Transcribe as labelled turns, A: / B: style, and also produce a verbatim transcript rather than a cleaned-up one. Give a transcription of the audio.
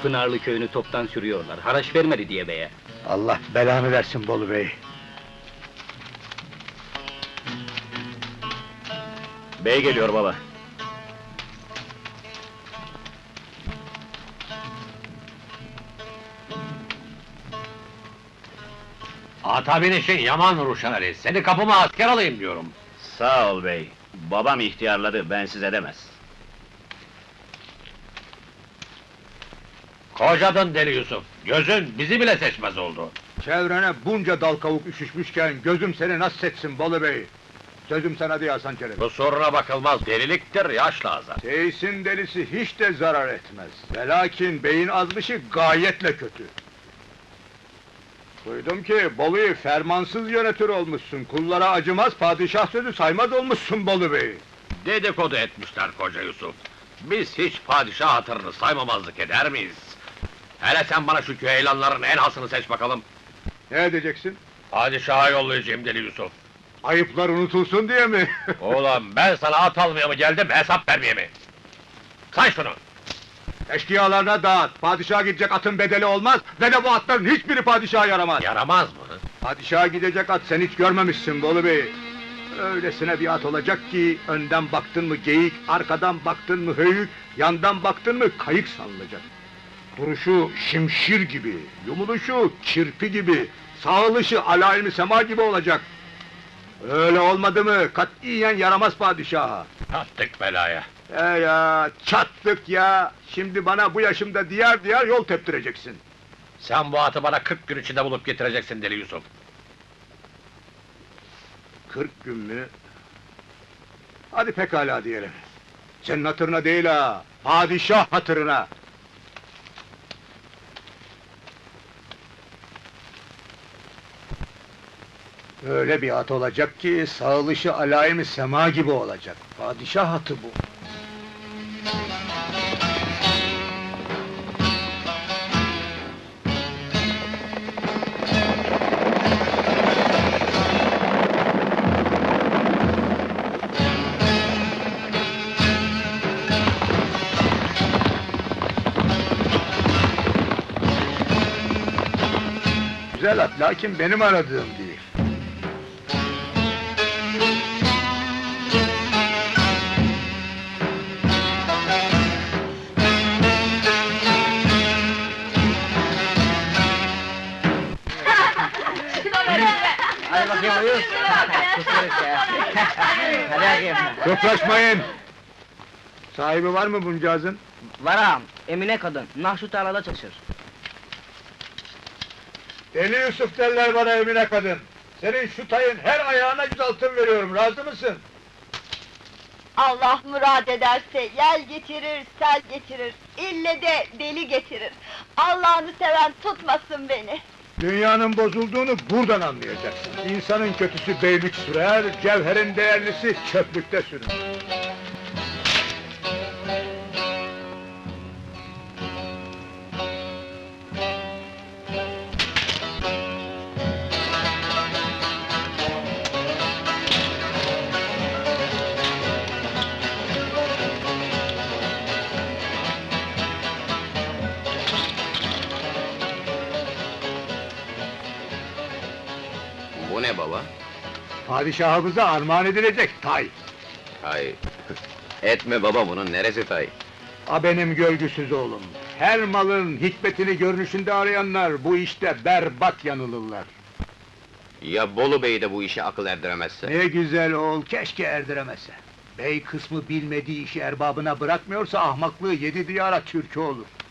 A: Pınarlı köyünü toptan sürüyorlar, haraç vermedi diye beye.
B: Allah belanı versin Bolu Bey!
C: Bey geliyor baba.
D: Ata binişin yaman Ruşen Ali, seni kapıma asker alayım diyorum.
C: Sağ ol bey. Babam ihtiyarladı, bensiz edemez.
D: Kocadın deli Yusuf, gözün bizi bile seçmez oldu.
B: Çevrene bunca dal kavuk üşüşmüşken gözüm seni nasıl seçsin Bolu Bey? Sözüm sana diye Hasan Çelebi.
D: Bu soruna bakılmaz, deliliktir, yaşla azar.
B: Seysin delisi hiç de zarar etmez. Velakin beyin azmışı gayetle kötü. Duydum ki Bolu'yu fermansız yönetir olmuşsun, kullara acımaz, padişah sözü saymaz olmuşsun Bolu Bey.
D: Dedikodu etmişler koca Yusuf. Biz hiç padişah hatırını saymamazlık eder miyiz? Hele sen bana şu küheylanların en hasını seç bakalım.
B: Ne edeceksin?
D: Padişaha yollayacağım deli Yusuf.
B: Ayıplar unutulsun diye mi?
D: Oğlum ben sana at almaya mı geldim, hesap vermeye mi? Say şunu!
B: Eşkıyalarına dağıt, padişaha gidecek atın bedeli olmaz ve de bu atların hiçbiri padişaha yaramaz.
D: Yaramaz mı?
B: Padişaha gidecek at sen hiç görmemişsin Bolu Bey. Öylesine bir at olacak ki, önden baktın mı geyik, arkadan baktın mı höyük, yandan baktın mı kayık sanılacak. Duruşu şimşir gibi, yumuluşu kirpi gibi, sağılışı alayim sema gibi olacak. Öyle olmadı mı katiyen yaramaz padişaha.
D: Attık belaya.
B: E ya, çattık ya! Şimdi bana bu yaşımda diyar diyar yol teptireceksin.
D: Sen bu atı bana kırk gün içinde bulup getireceksin deli Yusuf.
B: Kırk gün mü? Hadi pekala diyelim. Senin hatırına değil ha, padişah hatırına! Öyle bir at olacak ki, sağılışı alayim sema gibi olacak. Padişah atı bu. Güzel at, lakin benim aradığım değil.
E: Hadi bakayım uyuz. Hadi bakayım.
B: Toplaşmayın! Sahibi var mı buncağızın?
E: Var ağam, Emine kadın, Nahşu tarlada çalışır.
B: Deli Yusuf derler bana Emine kadın! Senin şu tayın her ayağına yüz altın veriyorum, razı mısın?
F: Allah murad ederse yel getirir, sel getirir, ille de deli getirir. Allah'ını seven tutmasın beni.
B: Dünyanın bozulduğunu buradan anlayacaksın. İnsanın kötüsü beylik sürer, cevherin değerlisi çöplükte sürünür.
C: Bu ne baba?
B: Padişahımıza armağan edilecek tay.
C: Hay! Etme baba, bunun neresi tay?
B: A benim görgüsüz oğlum! Her malın hikmetini görünüşünde arayanlar bu işte berbat yanılırlar.
C: Ya Bolu Bey de bu işe akıl erdiremezse?
B: Ne güzel oğul, keşke erdiremese. Bey kısmı bilmediği işi erbabına bırakmıyorsa ahmaklığı yedi diyara türkü olur.